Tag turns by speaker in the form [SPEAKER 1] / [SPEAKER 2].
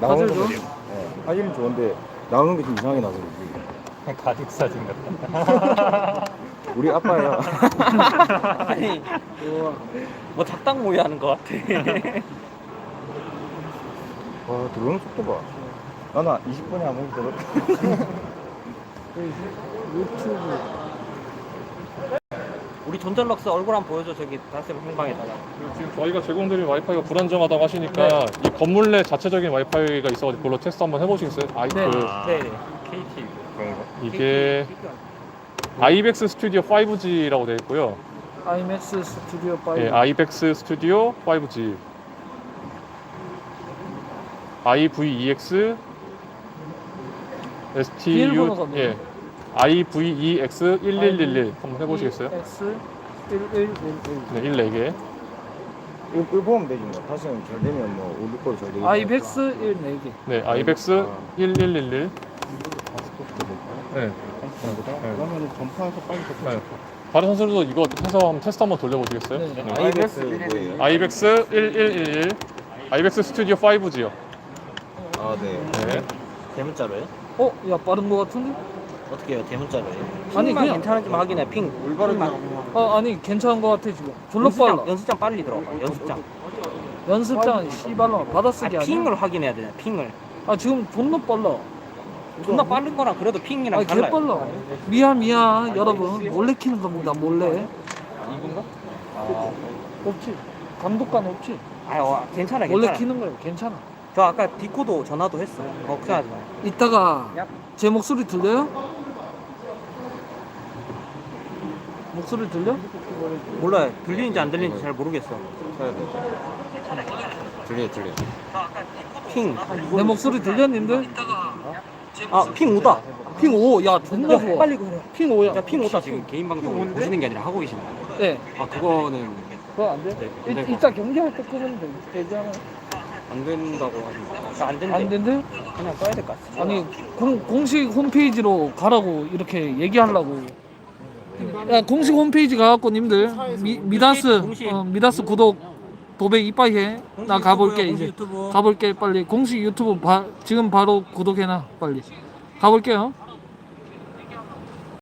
[SPEAKER 1] 나오는
[SPEAKER 2] 사진도?
[SPEAKER 1] 거. 네. 사진은 좋은데 나오는 게 좀 이상하게 나서 그러지.
[SPEAKER 3] 가족 사진 같다.
[SPEAKER 1] 우리 아빠야.
[SPEAKER 4] 아니 뭐 작당 모의 하는 것 같아.
[SPEAKER 1] 와 들어오는 속도 봐. 나는 20분에 한 번 들었다.
[SPEAKER 2] 유튜브.
[SPEAKER 4] 우리 전전럭스 얼굴 한번 보여줘. 저기 다스 행방에다가.
[SPEAKER 3] 지금 저희가 제공드린 와이파이가 불안정하다고 하시니까 이 건물 내 자체적인 와이파이가 있어가지고 그걸로 테스트 한번 해보시겠어요?
[SPEAKER 2] 네.
[SPEAKER 4] 네.
[SPEAKER 3] KT 그런 거? 이게 아이벡스 스튜디오 5G라고 되어 있고요.
[SPEAKER 2] 아이맥스 스튜디오 5.
[SPEAKER 3] 예, 아이벡스 스튜디오 5G, IVEX,
[SPEAKER 2] 비밀번호가
[SPEAKER 3] STU, 예, IVEX 1111 한번 해보시겠어요?
[SPEAKER 2] X 1111.
[SPEAKER 3] 네, 14개.
[SPEAKER 1] 이거 보면 되지 뭐. 다시는 잘 되면 뭐 우리 거잘 되겠다.
[SPEAKER 2] 아이벡스 14개.
[SPEAKER 3] 네, 아이벡스 1111. 네.
[SPEAKER 1] 그러면 전파해서 빨리
[SPEAKER 3] 네. 다른 선수들도 이거 해서 한번 테스트 한번 돌려보시겠어요?
[SPEAKER 2] 네.
[SPEAKER 3] 네.
[SPEAKER 1] 아이벡스 뭐예요?
[SPEAKER 3] 아이벡스 1111, 아이벡스 스튜디오 5G요.
[SPEAKER 1] 아 네.
[SPEAKER 3] 네.
[SPEAKER 4] 대문자로요?
[SPEAKER 2] 야 빠른 거 같은데?
[SPEAKER 4] 어떻게 해요? 대문자로요?
[SPEAKER 2] 아니,
[SPEAKER 4] 핑만
[SPEAKER 2] 그냥-
[SPEAKER 4] 괜찮은지만 확인해. 핑 올바르만.
[SPEAKER 2] 아니 괜찮은 거 같아 지금. 졸라
[SPEAKER 4] 연습장
[SPEAKER 2] 빨라.
[SPEAKER 4] 연습장 빨리 들어가. 연습장.
[SPEAKER 2] 연습장은 씨발로 바닷속이 아니야.
[SPEAKER 4] 핑을 확인해야 되냐? 핑을.
[SPEAKER 2] 지금 존나 빨라.
[SPEAKER 4] 존나 빠른 거랑 그래도 핑이랑
[SPEAKER 2] 개
[SPEAKER 4] 달라요.
[SPEAKER 2] 빨라. 미안 여러분 몰래 키는 겁니다 몰래.
[SPEAKER 4] 이건가?
[SPEAKER 2] 없지. 감독관 없지.
[SPEAKER 4] 괜찮아.
[SPEAKER 2] 원래
[SPEAKER 4] 괜찮아.
[SPEAKER 2] 키는 거예요. 괜찮아.
[SPEAKER 4] 저 아까 디코도 전화도 했어. 걱정하지 마.
[SPEAKER 2] 이따가
[SPEAKER 4] 얍.
[SPEAKER 2] 제 목소리 들려요? 목소리 들려?
[SPEAKER 4] 몰라요. 들리는지 안 들리는지 잘 모르겠어.
[SPEAKER 1] 쳐야 돼. 들려.
[SPEAKER 4] 핑.
[SPEAKER 2] 내 목소리 들려 님들?
[SPEAKER 4] 핑 오다.
[SPEAKER 2] 핑 5. 야 존나 좋아.
[SPEAKER 4] 빨리 그래.
[SPEAKER 2] 핑 5야.
[SPEAKER 4] 야, 핑 오다. 지금 개인 방송 보시는 게 아니라 하고 계시는 거예요.
[SPEAKER 2] 네.
[SPEAKER 4] 그거는
[SPEAKER 2] 그거 안 돼?
[SPEAKER 4] 네,
[SPEAKER 2] 이따 경기할 때 끄면 되지 않아?
[SPEAKER 4] 안 된다고 하시니까. 안 된대.
[SPEAKER 2] 안 된대?
[SPEAKER 4] 그냥 꺼야 될 것 같아.
[SPEAKER 2] 아니 공식 홈페이지로 가라고 이렇게 얘기하려고. 야 공식 홈페이지 가갖고 님들 미다스
[SPEAKER 4] 공식.
[SPEAKER 2] 미다스 구독 도배 이빠이해. 나 가볼게
[SPEAKER 4] 공식
[SPEAKER 2] 이제.
[SPEAKER 4] 유튜브.
[SPEAKER 2] 가볼게 빨리. 공식 유튜브 지금 바로 구독해놔 빨리. 가볼게요.